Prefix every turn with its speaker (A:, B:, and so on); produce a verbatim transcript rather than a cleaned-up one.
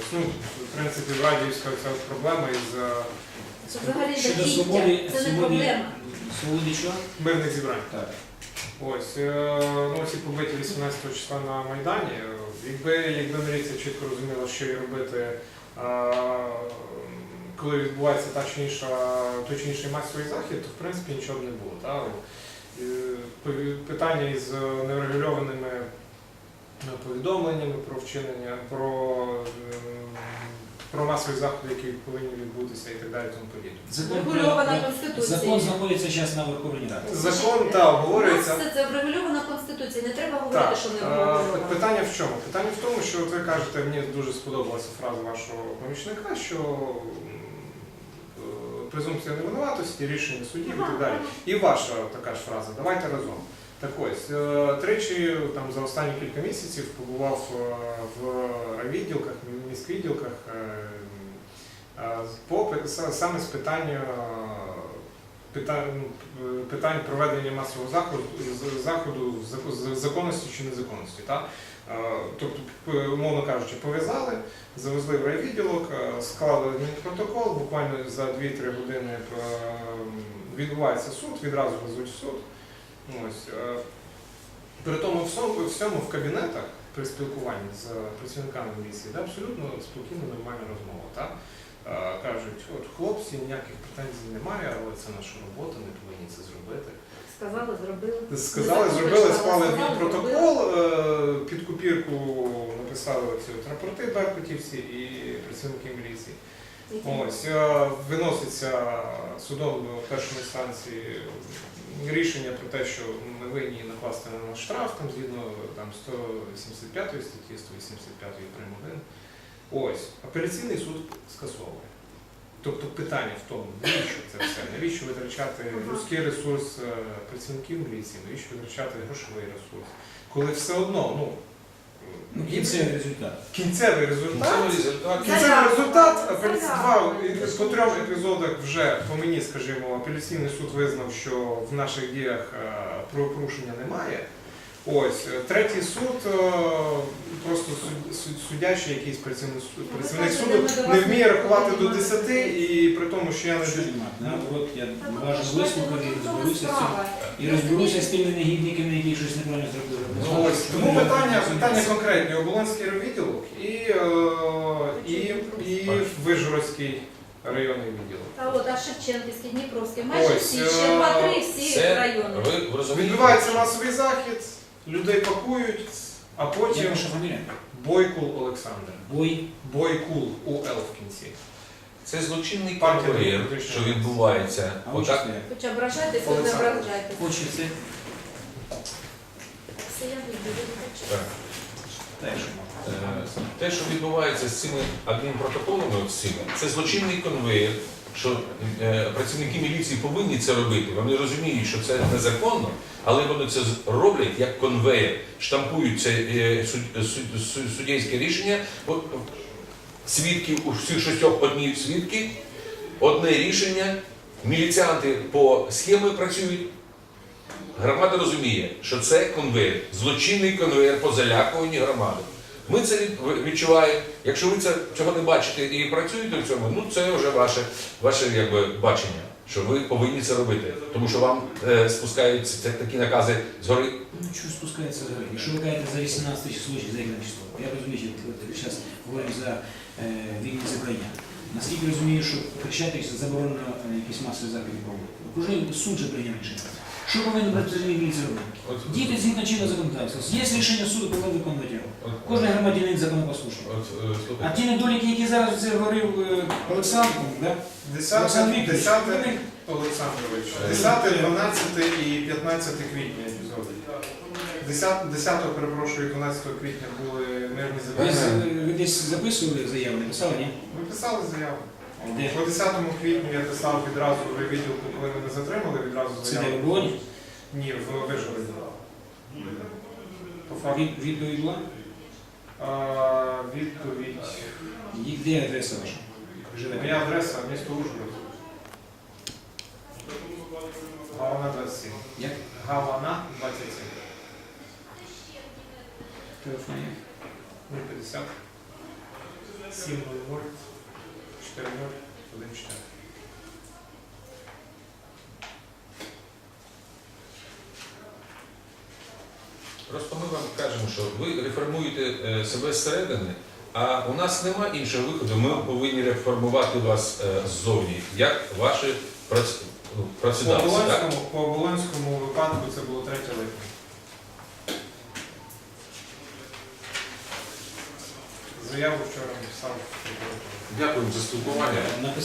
A: Ну, в принципі, в Радіївська ця проблема із
B: Це взагалі
C: Щодо
B: жахіття,
C: свободи,
B: це не
C: свободи,
B: проблема.
C: свободи що?
A: мирних зібрань.
C: Так.
A: Ось, е, ну, ці побиті вісімнадцятого числа на Майдані. Якби, якби міліція чітко розуміла, що їй робити, е, коли відбувається та чи інша, той чи інший масовий захід, то в принципі нічого б не було. Та? Е, Питання із нерегульованими повідомленнями про вчинення, про, про масові заходи, які повинні відбутися і так далі, тому подібне.
B: Врегульована Конституцією.
C: Закон знаходиться зараз на Верховній Раді.
A: Закон, так, обговорюється.
B: У нас все це врегульована Конституція, не треба говорити,
A: Так,
B: що не
A: е,
B: врегульована.
A: питання в чому? Питання в тому, що от ви кажете, мені дуже сподобалася фраза вашого помічника, що е, презумпція невинуватості, рішення судів і так далі. І ваша така ж фраза, давайте разом. Так ось, е, тричі там, за останні кілька місяців побував е, в відділках, міськвідділках е, е, по, пи- са- саме з питання питань, питань проведення масового заходу, з- заходу з- з законності чи незаконності. Та? Е, Тобто, п- умовно кажучи, пов'язали, завезли в райвідділок, е, склали адмінпротокол, буквально за дві-три години е, відбувається суд, відразу везуть в суд. Ось, е, при тому всьому, всьому в кабінетах при спілкуванні з працівниками міліції, де абсолютно спокійна, нормальна розмова. Та? Е, кажуть, от хлопці, ніяких претензій немає, але це наша робота, ми повинні це зробити.
B: Сказали, зробили.
A: Сказали,
B: Закон
A: зробили,
B: прочитали,
A: склали
B: сказали,
A: протокол, е, під копірку написали ці от рапорти беркутівці і працівники міліції.
B: зробили.
A: Ось, е, виноситься судом до першої інстанції рішення про те, що ми винні накласти на нас штраф, там, згідно там, сто сімдесят п'ятої статті, сто вісімдесят п'ятої прим. один. Ось, апеляційний суд скасовує. Тобто питання в тому, навіщо це все, навіщо витрачати людський ресурс е, працівників міліції, навіщо витрачати грошовий ресурс, коли все одно, ну,
C: Ну, кінцевий результат.
A: кінцевий результат,
D: Кінцевий результат.
A: кінцевий результат,
B: Заявка.
A: апеляці- два, по трьом епізодах вже, по мені, скажімо, апеляційний суд визнав, що в наших діях е, правопорушення немає. Ось, е, третій суд, е, просто суд- суд- судячий якийсь працівник, су- працівник суду не вміє рахувати до десяти, і при тому, що я не
C: Що нема? Наоборот, я уважно вислухав і розберуся з цим. І розберуся з тими негідниками, які щось неправильно зробили.
A: Ну, ось, тому питання, питання конкретні. Оболонський відділок і, е, і, і Вишгородський районний відділок.
B: А от, а Шевченківський, Дніпровський, майже
A: Ось,
B: всі,
A: е,
B: ще два-три всі
D: Це,
B: райони.
D: ви, ви розумієте?
A: Відбувається масовий захід, людей пакують, а
C: Як
A: потім
C: ваша фамілія?
A: Бойкул Олександр.
C: Бой.
A: Бойкул у Л в кінці.
D: Це злочинний
A: Партія
D: конвейер,
A: демократична.
D: що відбувається.
C: А ви
D: Отак,
C: чисто як?
B: Хоч ображайтесь, хоч не
A: Олександр.
B: ображайтесь.
C: Хоче це?
B: Все я люблю, хочу.
D: так.
C: Теж.
D: Е, Те, що відбувається з цими адмінпротоколами, от цими, це злочинний конвейер, що е, працівники міліції повинні це робити. Вони розуміють, що це незаконно, але вони це з- роблять як конвейер, штампують це е, суд- суд- суд- суддєйське рішення. От, свідків, у всіх шістьох одні свідки, одне рішення, міліціанти по схемі працюють. Громада розуміє, що це конвейер, злочинний конвейер по залякуванню громади. Ми це від- відчуваємо. Якщо ви це, цього не бачите і працюєте в цьому, ну це вже ваше, ваше якби, бачення, що ви повинні це робити. Тому що вам е, спускаються це такі накази згори.
C: Ну, що спускається за грань? Якщо ви кажете за вісімнадцяте число чи за яке число, я розумію, що зараз говоримо за е, вільне зібрання. Наскільки розумію, що Хрещатик заборонено е, якісь масові заходи проводити. Уже суд же прийняв рішення. Що повинен працівник міліції робити?
D: От-
C: Діти згідно чинного законодавства. Є рішення суду, повинен виконувати його.
D: от-
C: Кожен громадянин законопослушний.
D: от, е,
C: А
D: слухайте.
C: ті недоліки, які зараз це говорив е, Олександр, да? Олександр
A: десяте,
C: Вікторович,
A: десяте
C: вони-
A: Олександрович, десяте, дванадцяте і п'ятнадцяте квітня епізоди. десятого, перепрошую, дванадцятого квітня були мирні
C: Ви,
A: зібрання.
C: з- ви десь записували заяву, не писали, ні?
A: Ми писали заяву.
C: Де?
A: По десятому квітню я писав відразу в відділку, коли мене затримали, відразу
C: Це де в
A: заяву.
C: Болоні?
A: Ні, в Вишгороді. По факту.
C: Від, відповідь була?
A: А, відповідь.
C: І де адреса ваша? Живете?
A: Моя адреса місто Ужгород. Гавана двадцять сім.
C: Як?
A: Гавана двадцять сім.
C: Телефон є?
A: нуль п'ятдесят. сім нуль нуль чотири нуль один чотири.
D: Просто ми вам кажемо, що ви реформуєте е, себе зсередини, а у нас нема іншого виходу. Ми повинні реформувати вас е, ззовні, як ваші прац- ну,
A: По
D: працедавці. Так?
A: Оболонському, по Оболонському випадку це було третє липня. Заяву вчора написав прокуратура.
D: Дякую за спілкування.
C: Написати